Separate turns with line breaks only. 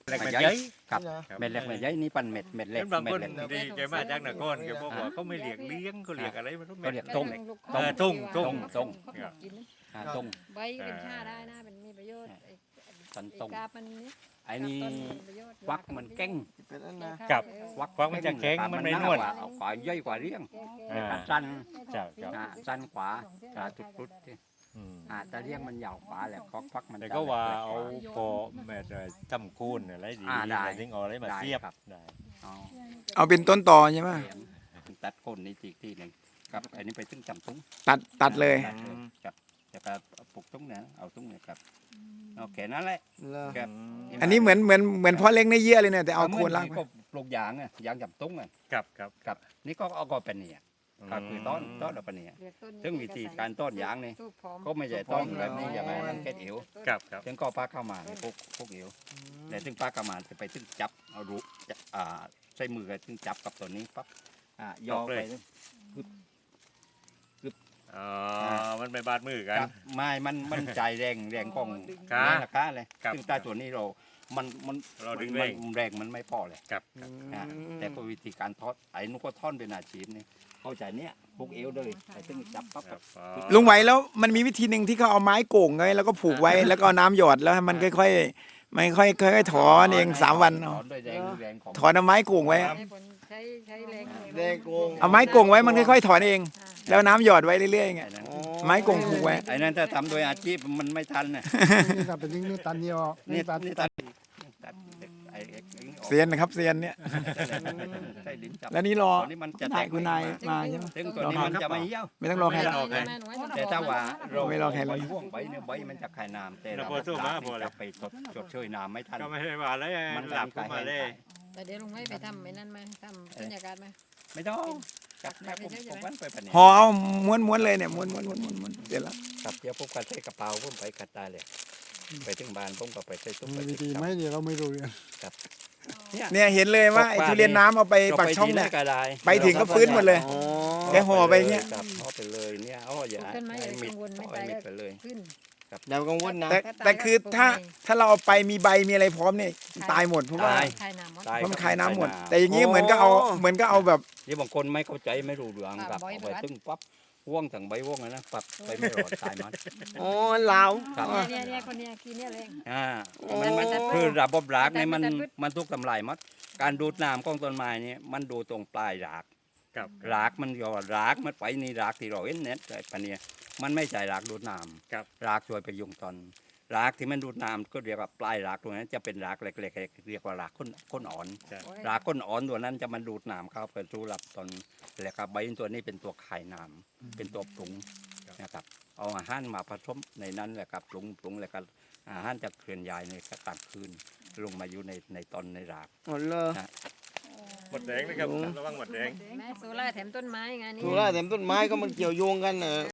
เล็กเม็ดใหญ่ครับ
ครับ
เม็ดเล็กเม็ดใหญ่นี่ปันเม็ดเล็
เห็
ก
นบาง
เม็
ค
ด
น
เล็ก
ที่แกมาจากนครแกบอกว่าเขาไม่เลี้ยงเลี้ยงเขาเลี้ยงอะไรมัน
เขาเรียกต้ง
ตุ้ง
ต้ง
ใบเป็นชาได้นะเป็นมีประโยชน์
สัน
ไอ้
ต้ง
กาบมันนี่
ไอ้นี่
ต้นมีประโยชน์
วักมันเก่ง
เป็นอันนะ
กับ
วัก
วักมันจะแข็งมันไม่นวล
เอากว่าย่อยกว่าเลี้ยง
อ่า
สั้น
เจ้าเจ้า
สั้นกว่าจุดๆที่
อืม
แต่เลี้ยงมันยาวกว่าแหละควักมัน
แต่ก็ว่าเอาพอแม่ทำคูนอะไรดี
ได้
แต่ถึงเอาอะไรมาเสียบ
ครับ
ได้
เอา
เอาเป็นต้นต่อใช่ไหม
เขียนตัดโคนนี่ทีหนึ่งครับอันนี้ไปถึงจำตุ้ง
ตัดเลย
ตัดเลยครับจะกระปลูกตุ้งเนี่ยเอาตุ้งเนี่ยครับโอเคนั่นแหละครับ
อันนี้เหมือนพ่อเล็กในเยื่อเลยเนี่ยแต่เอาโคนล่าง
ก็ปลูกยางอ่ะยางจำตุ้งอ่ะ
ครับครับ
ครับนี่ก็เอาก็เป็นเนี่ยก็คือต้นเราเป็นเนี่ย ซึ่งวิธีการต้นยางนี่ ก็ไม่ใช่ต้นแบบนี้อย่างไรมันแค่เอว
ครับครับ
ถึงก็ปลาเข้ามาเนี่ยพวกเอวแต่ถึงปลาเข้ามาจะไปถึงจับเอารูใช้มือกันถึงจับกับตัวนี้ปั๊บยอไป
อ๋อมันไม่บาดมือกัน
ครับไม่มันใจแรงของ
ครับ
ราคาเลย
ครับ
ซึ่งใต้ตัวนี้มัน
เราดึง
มัน
เร่ง
แรงมันไม่พอเลย
ครับ
แต่ก็วิธีการทอดไอ้นุก็ท่อนเป็นอาชีพนี่เข้าใจเนี้ยพวกเอวเลยไอ้ซึ่งจับปั๊บ
ครับอ๋อ
ลุงไหวแล้วมันมีวิธีหนึ่งที่เขาเอาไม้โก่งไว้แล้วก็ผูกไว้แล้วก็เอาน้ำหยอดแล้วให้มันค่อยๆไม่ค่อยๆถอนเอง3 วัน
ถอนด้วยแรงของ
ถอนเอาไม้โก่งไว้
ใช้แรง
แรงโกงเอาไม้โก่งไว้มันค่อยๆถอนเอง แล้วน้ำหยอดไว้เรื่อยๆไง
ไอ้นั้น
ไม้โก่งผูกไว้
ไอ้นั้นถ้าทำโดยอาชีพมันไม่ทันน่ะ
นี่ก็เป็นนี่ตันเดียว
นี่
ตัน
นี่ตัดไอ้ออก
เซียนนะครับเซียนเนี่ย
ใช่ลิ้นจับ
แล้วนี่รอ
ตัวนี้มันจะ
นายคุณนายมาใช่ไหม
ซึ่งตัวนี้มันจะไม่เหี่ยว
ไม่ต้องรอใครแล้ว
แต่ถ้าว่าเรา
ไม่รอใครเลย
ห่วงใบเนี่ยใบมันจะคายน้ำแต่
เรา
เรา
พอสู้มาพอเลย
จะไปชดช่วยน้ำไม่ทัน
ก็ไม่ได้ว่าอะไรมันหลับขึ้นมาเลย
แต่เดี๋ยวลุงไม่ไปทำไอ้นั่นไหมทำบรรยากาศไหม
ไม่ต้องกับแม่ผมวันไปปะเนี่ย
ห่อเอาม้วนๆเลยเนี่ยม้วนเสร็จแล้ว
กับเดี๋ยวผมก็ใส่กระเป๋าผมไปกัดตาเลยไปถึงบ้านผมก็ไปใส่ตุ้มไป
มีวิธีไหมเดี๋ยวเราไม่รู้เรื่อง
เนี่ยเห็นเลยว่าไอ้ทุเรียนน้ำเอาไปปักช่องเนี่ย
ก็ได้
ไปถึงก็ฟื้นหมดเลย แกห่อไปเงี้ย
ครับห่อไปเลยเนี่ยอ๋ออย่า
ขึ้นไหมอย่า
มิด
กังวลไม่
ห่อ
ตาย
มิ
แล้
ด
ว
ไปเลย
ขึ้น
อย่ากังวลนะแต่คือถ้าเราเอาไปมีใบมีอะไรพร้อมเนี่ยตายหมดเพราะว่า
ตาย
คายน้ำมด
ตาย
เพราะมันคายน้ำหมด แต่อย่างนี้เหมือนก็เอาแบบ
นี่บางคนไม่เข้าใจไม่รู้เรื่องครับ
บ่อย
เอา
ไป
ไป
วัด
ตึ้งปั๊บว่องถึงใบว่องเลยนะปั๊บไปไม่รอดตายมัน
อ๋อลาว
ครับ
เนี่ยคนเนี้ยกินเนี่ยเลย
มันคือระบบรากเนี่ยมัน
แต่พืช
มันทุกทำลายหมดการดูดน้ำของต้นไม้เนี่ยมันดูตรงปลายราก
ครับ
รากมันก็รากมันไปนี่รากที่เราเห็นเนี่ยไอ้ปะเนี่ยมันไม่ใช่รากดูดน้ำ
ครับ
รากช่วยไปยุงตอนรากที่มันดูดน้ำก็เรียกว่าปลายรากตรงนั้นจะเป็นรากเล็กๆเรียกว่ารากก้นอ่อน
ใช่
รากก้นอ่อนตัวนั้นจะมันดูดน้ำเข้าไปสู่ลำต้นแล้วก็ใบตัวนี้เป็นตัวคายน้ำเป็นตัวปรุงนะครับเอาอาหารมาผสมในนั้นแหละครับปรุงแล้วก็อาหารจะเคลื่อนย้ายในกลางคืนลงมาอยู่ในตอนในราก
หมดเลย
หมดแดงนะครับระวังหมดแดง
แม่โซล่าแถมต้นไม้ไงนี่
ถูกแล้วแต่ต้นไม้ก็มันเกี่ยวโยงกัน